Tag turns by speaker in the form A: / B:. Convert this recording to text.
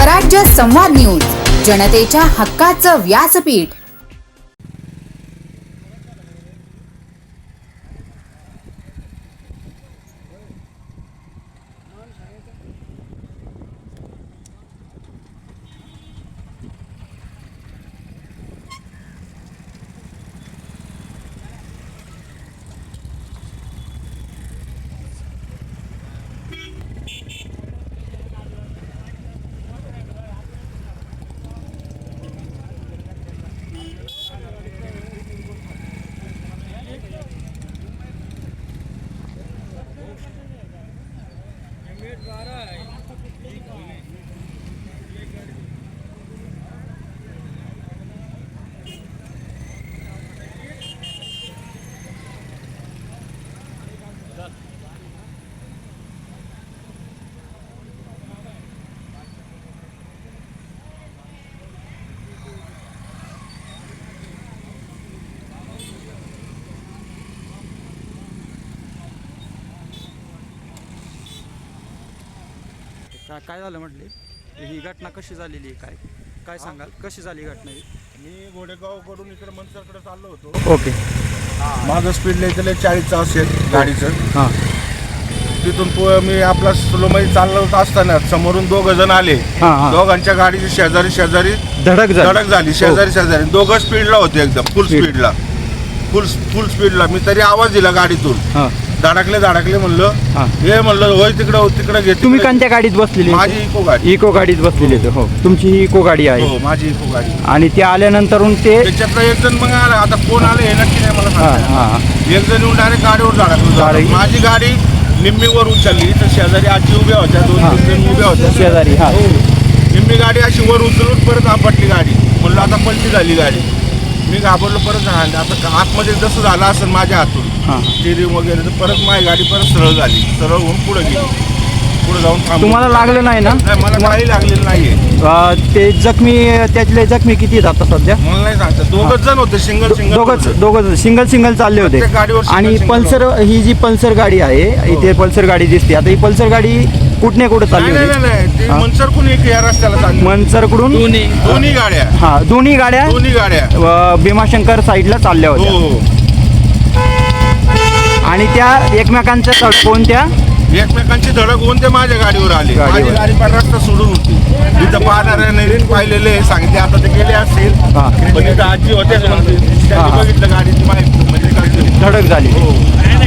A: स्वराज्य संवाद न्यूज, जनतेच्या हक्काचं व्यासपीठ।
B: काय झालं म्हटले, ही घटना कशी झालेली आहे, काय सांगाल, कशी झाली घटना ही?
C: मी घोडेगावकडून इकडे मनसरकडे चाललो होतो.
B: ओके.
C: माझं स्पीड लिहिलेलं 40चं असेल गाडीचं.
B: हां.
C: तिथून मी आपला स्लोमध्ये चालत असताना समोरून 2 जण आले. दोघांच्या गाडीची शेजारी धडक झाली. शेजारी दोघं स्पीडला होते, एकदम फुल स्पीडला. मी तरी आवाज दिला गाडीतून, धडकले म्हणलं, हे म्हणलं होय तिकडे घे.
B: तुम्ही कोणत्या गाडीत बसलेली?
C: माझी
B: इको गाडीत बसलेली. हो, तुमची ही इको गाडी आहे?
C: हो, माझी इको गाडी.
B: आणि ते आल्यानंतर
C: त्याच्यातलं एक जण मग आला. आता कोण आलं हे नक्की नाही मला सांगता. एक जण येऊन डायरेक्ट गाडीवर धडकलं. माझी गाडी निम्मीवर उचलली, तर शेजारी आजी उभ्या होत्या, 2-3 जण उभ्या होत्या
B: शेजारी.
C: निम्मी गाडी अशी वर उचलून परत आपटली गाडी. म्हणलं आता पलटी झाली गाडी. मी घाबरलो, परत झाली. आता आतमध्ये जसं झालं असेल माझ्या हातून स्टिअरिंग वगैरे, तर परत माझी गाडी परत सरळ झाली. सरळ होऊन पुढे गेली. पुढे जाऊन
B: तुम्हाला लागलं नाही ना?
C: नाही, मला काही लागलेलं नाहीये.
B: ते त्यातले जखमी किती आहेत आता सध्या?
C: मला नाही सांगतात. 2 जण होते,
B: दोघं सिंगल चालले होते. आणि पल्सर, ही जी पल्सर गाडी आहे, इथे पल्सर गाडी दिसते. आता ही पल्सर गाडी कुठे चालली होती?
C: नाही, मनसरकडून या रस्त्याला चालली.
B: मनसरकडून
C: दोन्ही गाड्या
B: दोन्ही गाड्या भीमाशंकर साईडला चालल्या होत्या. आणि त्या एकमेकांच्या कोणत्या
C: एकमेकांची धडक होऊन ते माझ्या गाडीवर आले. माझी गाडी पण रस्ता सोडून होती. तिथं पाहणाऱ्या पाहिलेले सांगितले, आता ते गेले असतील. पण इथं आजी होते, बघितलं गाडीची माहिती, म्हणजे
B: धडक झाली.